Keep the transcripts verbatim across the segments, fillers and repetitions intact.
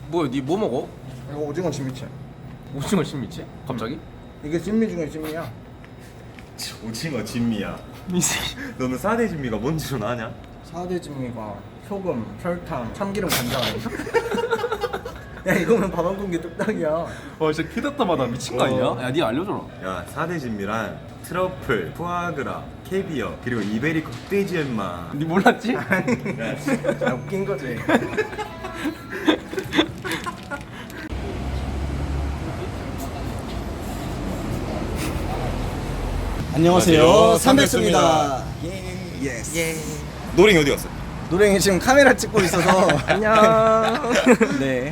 뭐야, 니 뭐 먹어? 이거 오징어 진미채. 오징어 신미채? 갑자기? 이게 진미 중에 진미야. 오징어 진미야. 미새. 너는 사대 진미가 뭔지는 아냐? 사대 진미가 소금, 설탕, 참기름, 간장 아니야? 야 이거면 밥 한 공기 뚝딱이야. 와, 진짜 키다타마다 미친 거 아니야? 야, 니 알려줘라. 야 사대 진미란 트러플, 푸아그라, 캐비어 그리고 이베리코 흑돼지 엠마. 니 몰랐지? 야, 야 웃긴 거지. 안녕하세요. 삼백수입니다. 예. 예스. 예. 노랭이 어디 갔어? 노랭이 지금 카메라 찍고 있어서 안녕. 네.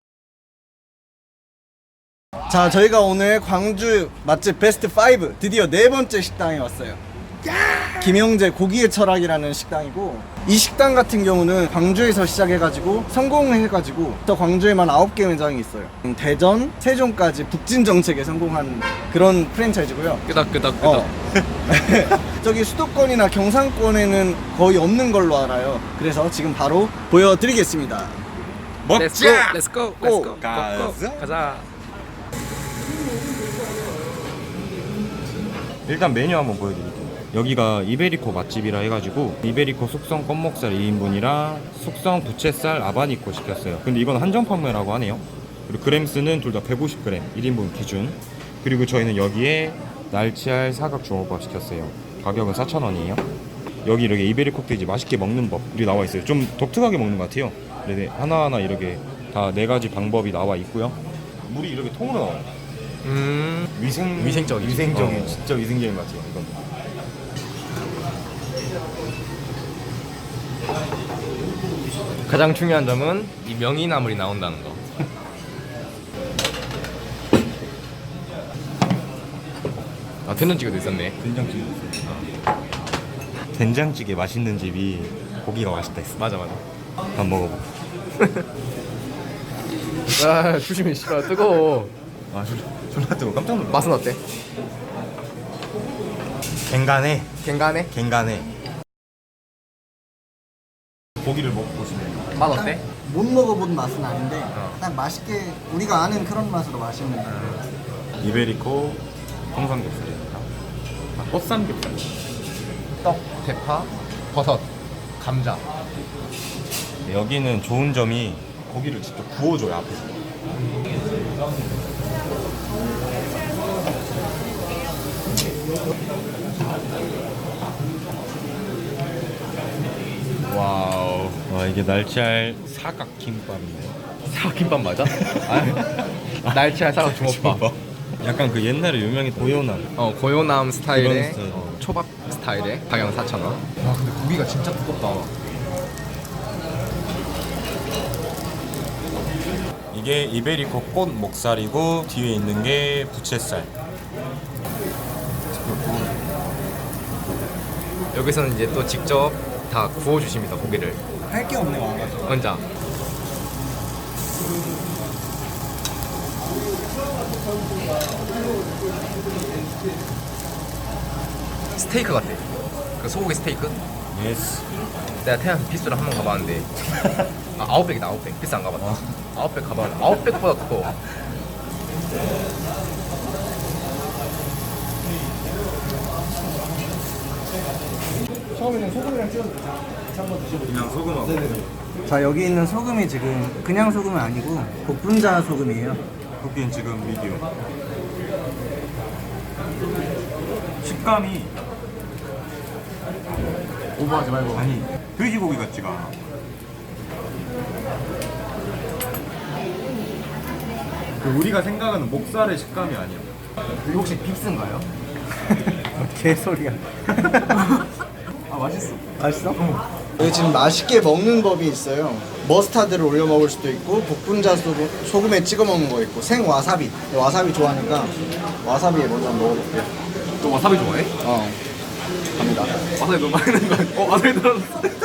자, 저희가 오늘 광주 맛집 베스트 오 드디어 네 번째 식당에 왔어요. 김영재 고기의 철학이라는 식당이고, 이 식당 같은 경우는 광주에서 시작해가지고 성공해가지고 또 광주에만 아홉 개 매장이 있어요. 음, 대전, 세종까지 북진 정책에 성공한 그런 프랜차이즈고요. 끄덕끄덕끄덕. 어. 저기 수도권이나 경상권에는 거의 없는 걸로 알아요. 그래서 지금 바로 보여드리겠습니다. 먹자! 렛츠고. 고! 렛츠고. 가자. 가자. 일단 메뉴 한번 보여드릴게요. 여기가 이베리코 맛집이라 해가지고 이베리코 숙성 껌목살 이 인분이랑 숙성 부채살 아바니코 시켰어요. 근데 이건 한정 판매라고 하네요. 그리고 그램수는 둘 다 백오십 그램 일 인분 기준. 그리고 저희는 여기에 날치알 사각 주먹밥 시켰어요. 가격은 사천 원이에요. 여기 이렇게 이베리코 흑돼지 맛있게 먹는 법이 나와 있어요. 좀 독특하게 먹는 것 같아요. 네, 하나하나 이렇게 다 네 가지 방법이 나와 있고요. 물이 이렇게 통으로 나와요. 음. 위생 위생적이지. 위생적인 어. 진짜 위생적인 것 같아요. 이건. 가장 중요한 점은 이 명이나물이 나온다는 거. 아, 된장찌개도 있었네. 된장찌개 있어요. 된장찌개 맛있는 집이 고기가 맛있다 했어. 맞아, 맞아. 한번 먹어봐. 아, 조심해, 씨발 뜨거워. 아 졸- 졸라 뜨거 깜짝 놀랐어. 맛은 어때? 갱간해. 갱간해? 갱간해. 고기를 먹고 보시면 맛 어때? 못 먹어본 맛은 아닌데 어. 딱 맛있게 우리가 아는 그런 맛으로 맛있는. 이베리코 통삼겹살입니다. 아, 꽃삼겹살. 떡, 대파, 버섯, 감자. 여기는 좋은 점이 고기를 직접 구워줘요 앞에서. 와우. 와 이게 날치알 사각 김밥인데. 사각김밥 맞아? 아, 날치알 사각 주먹밥. 약간 그 옛날에 유명했던 고요남. 어, 고요남 스타일의 그런 스타일. 어, 초밥 스타일의 가격 사천 원. 와, 근데 고기가 진짜 두껍다. 이게 이베리코 꽃 목살이고 뒤에 있는 게 부채살. 여기서는 이제 또 직접 다 구워 주십니다, 고기를. 할 게 없네 와가지고. 혼자. 스테이크 같아. 그 소고기 스테이크? 예스. 내가 태안 비스를 한 번 가봤는데 아, 아웃백이다. 아웃백. 비스 안 가봤다. 아웃백 가봤는데 아웃백보다 두꺼워. 처음에는 소금이랑 찍어도 되죠? 한번 드셔보세요. 그냥 소금하고. 네네네. 자, 여기 있는 소금이 지금 그냥 소금은 아니고 복분자 소금이에요. 고기는 지금 미디움. 식감이 오버하지 말고. 아니 돼지고기 같지가 않아. 그 우리가 생각하는 목살의 식감이 아니야. 이거 혹시 빅스인가요? 개소리야. 아, 맛있어. 맛있어? 여기 지금 맛있게 먹는 법이 있어요. 머스타드를 올려 먹을 수도 있고 복분자 소금, 소금에 찍어 먹는 거 있고 생 와사비. 와사비 좋아하니까 와사비에 먼저 한번 먹어볼게요. 또 와사비 좋아해? 어, 갑니다. 와사비 너무 많이 넣는 거 아니야? 어, 와사비 들어갔어.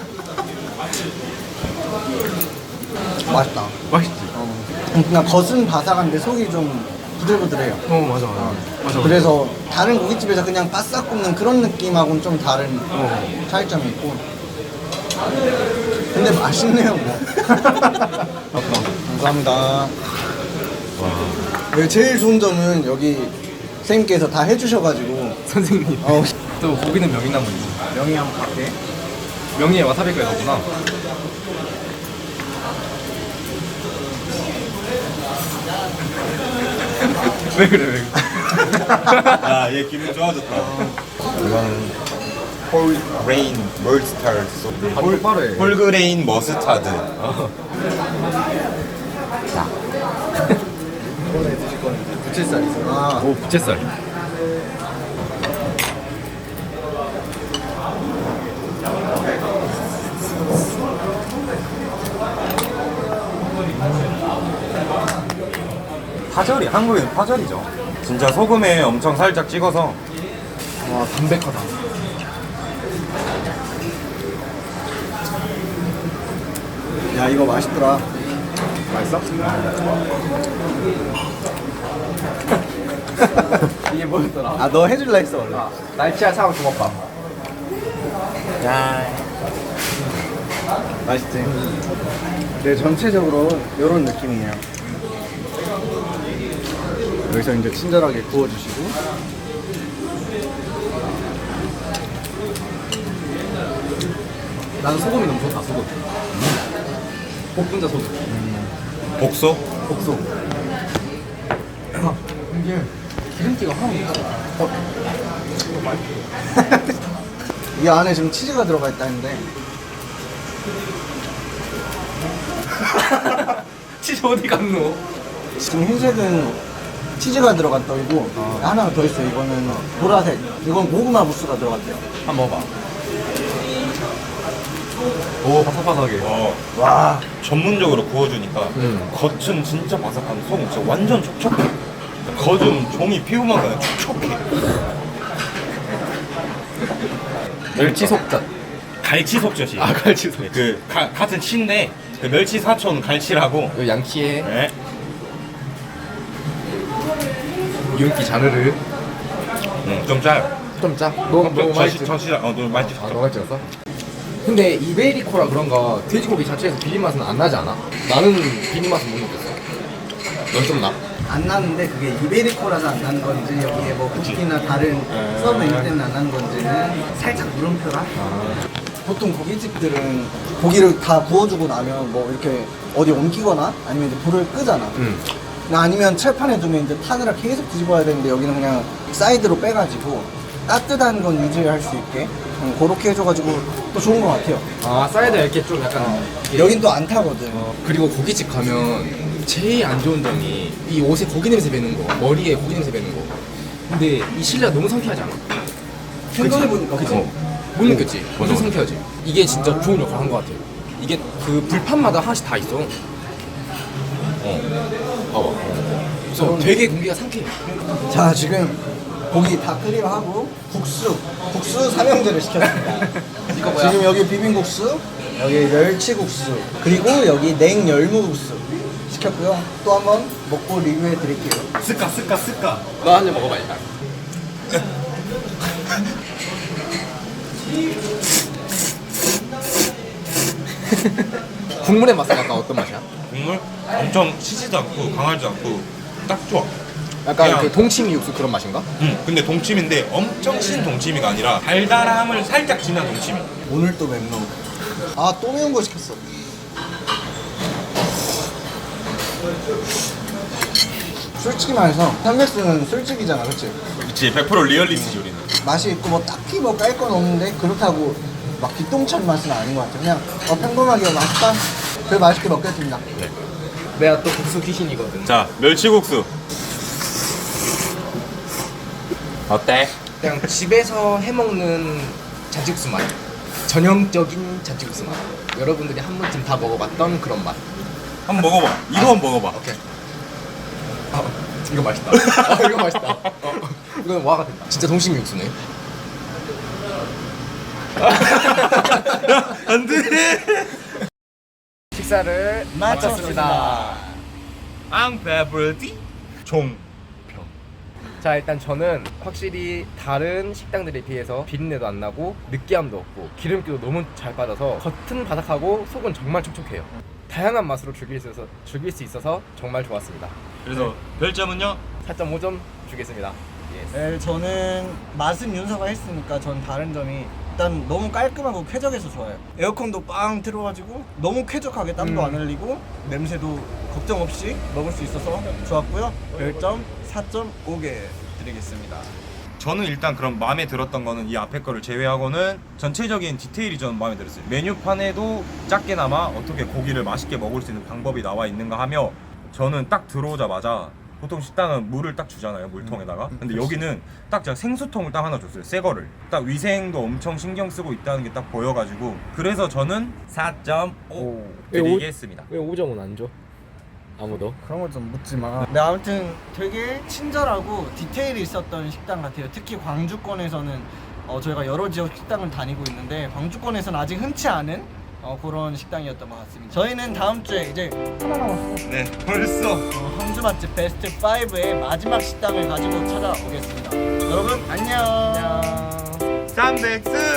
맛있다. 맛있지? 어. 그냥 겉은 바삭한데 속이 좀 부들부들해요. 어, 맞아, 맞아. 맞아, 맞아. 그래서 다른 고깃집에서 그냥 바싹 굽는 그런 느낌하고는 좀 다른 어. 차이점이 있고. 근데 맛있네요, 뭐. 감사합니다. 여기 제일 좋은 점은 여기 선생님께서 다 해주셔가지고 선생님. 어, 또 고기는 명이나물이지. 명이 한번 갈게. 명이에 와사비가 넣었구나. 왜 그래 왜 그래? 야, 얘 기분 좋아졌다. 이거는 홀그레인 머스타드. 아, 똑바로 해. 홀그레인 머스타드. 이번에 드실 거는 부채살이죠. 아, 오 부채살. 파절이 한국에는 파절이죠. 진짜 소금에 엄청 살짝 찍어서. 와 담백하다. 야 이거 맛있더라. 맛있어? 이게 뭐였더라? 아 너 해줄라 했어 원래. 아, 날치알 사과 주먹밥. 야 맛있지. 네 전체적으로 이런 느낌이에요. 여기서 이제 친절하게 구워주시고. 나는 소금이 너무 좋다 소금. 볶음자 소금. 복소? 복소. 이게 기름기가 하나도 없어. 이 안에 지금 치즈가 들어가 있다는데. 치즈 어디 갔노? 지금 흰색은 치즈가 들어간 떡이고 하나 더 있어요. 이거는 보라색. 이건 고구마 무스가 들어갔대요. 한번 먹어봐. 오 바삭바삭하게. 어. 와 전문적으로 구워주니까 음. 겉은 진짜 바삭한 속은 진짜 완전 촉촉해. 겉은 종이 피우만 그냥 촉촉해. 멸치 속젓. 갈치 속젓이. 아 갈치 속. 그 가, 같은 치인데 그 멸치 사촌 갈치라고. 이 양키에 네. 윤기 자르르. 음, 좀 짜요. 좀 짜? 너 너무 저, 맛있지? 저, 저, 어, 너무 맛있어. 아 너가 찍었어? 근데 이베리코라 그런가 돼지고기 자체에서 비린 맛은 안 나지 않아? 나는 비린 맛은 못 느꼈어. 넌 좀 나? 안 나는데 그게 이베리코라서 안 나는 건지 여기에 뭐 국기나 다른 서브 메뉴 때문에 안 나는 건지는 살짝 물음표라. 보통 고깃집들은 고기를 다 구워주고 나면 뭐 이렇게 어디 옮기거나 아니면 이제 불을 끄잖아. 응. 아니면 철판에 두면 이제 타느라 계속 뒤집어야 되는데 여기는 그냥 사이드로 빼가지고 따뜻한 건 유지할 수 있게 음, 그렇게 해줘가지고 또 좋은 것 같아요. 아 사이드 이렇게 좀 약간 여긴 또 안 타거든. 어, 그리고 고깃집 가면 제일 안 좋은 점이 이 옷에 고기 냄새 배는 거, 머리에 고기 냄새 배는 거. 근데 이 실내가 너무 상쾌하지 않아? 생각해보니까 그치? 그래. 못 느꼈지? 맞아, 완전 맞아. 상쾌하지? 이게 진짜 좋은 역할을 한 것 같아요. 이게 그 불판마다 하나씩 다 있어. 어. 봐봐. 그래서 되게 공기가 상쾌해. 자 지금 고기 다 클리어하고 국수 국수 삼형제를 시켰습니다. 이거 뭐야? 지금 여기 비빔국수, 여기 멸치국수, 그리고 여기 냉열무국수 시켰고요. 또 한번 먹고 리뷰해 드릴게요. 스까 스까 스까. 너 한 입 먹어봐 일단. 국물의 맛은 약간 어떤 맛이야? 국물 엄청 시지도 않고 강하지도 않고 딱 좋아. 약간 그냥- 그 동치미 육수 그런 맛인가? 응. 근데 동치미인데 엄청 신 동치미가 아니라 달달함을 살짝 진한 동치미. 오늘 또 맵노. 아 또 매운 거 시켰어. 솔직히 말해서 삼백스는 술집이잖아, 그렇지? 그치, 백 퍼센트 리얼리티지 우리는. 맛이 있고 뭐 딱히 뭐 깔 건 없는데 그렇다고 막 기똥찬 맛은 아닌 것 같아. 그냥 어, 평범하게 맛있다. 그래 맛있게 먹겠습니다. 내가 또 국수 귀신이거든. 자, 멸치국수. 어때? 그냥 집에서 해먹는 잔치국수 맛. 전형적인 잔치국수 맛. 여러분들이 한 번쯤 다 먹어봤던 그런 맛. 한번 먹어봐. 이거 한번 먹어봐. 오케이. 아, 이거 맛있다. 아, 이거 맛있다. 어, 이건 와가 된다. 진짜 동심 육수네. 안 돼. 식사를 마쳤습니다. 앙페브르디 종. 자, 일단 저는 확실히 다른 식당들에 비해서 비린내도 안 나고 느끼함도 없고 기름기도 너무 잘 빠져서 겉은 바삭하고 속은 정말 촉촉해요. 다양한 맛으로 즐길 수 있어서, 즐길 수 있어서 정말 좋았습니다. 그래서 별점은요? 사 점 오 점 주겠습니다. 예스. 네, 저는 맛은 윤서가 했으니까 전 다른 점이 일단 너무 깔끔하고 쾌적해서 좋아요. 에어컨도 빵 틀어가지고 너무 쾌적하게 땀도 음. 안 흘리고 냄새도 걱정 없이 먹을 수 있어서 좋았고요. 별점 사 점 오 개 드리겠습니다. 저는 일단 그럼 마음에 들었던 거는 이 앞에 거를 제외하고는 전체적인 디테일이 저는 마음에 들었어요. 메뉴판에도 작게나마 어떻게 고기를 맛있게 먹을 수 있는 방법이 나와 있는가 하며, 저는 딱 들어오자마자 보통 식당은 물을 딱 주잖아요, 물통에다가. 근데 여기는 딱 제가 생수통을 딱 하나 줬어요, 새 거를. 딱 위생도 엄청 신경 쓰고 있다는 게 딱 보여가지고, 그래서 저는 사 점 오 드리겠습니다. 왜 오 점은 안 줘? 아무도? 그런 거 좀 묻지 마. 네, 아무튼 되게 친절하고 디테일이 있었던 식당 같아요. 특히 광주권에서는 어, 저희가 여러 지역 식당을 다니고 있는데 광주권에서는 아직 흔치 않은 어, 그런 식당이었던 것 같습니다. 저희는 다음 주에 이제 하나 남았어. 네, 벌써 어, 광주 맛집 베스트 오의 마지막 식당을 가지고 찾아오겠습니다. 여러분 안녕. 안녕. 삼백스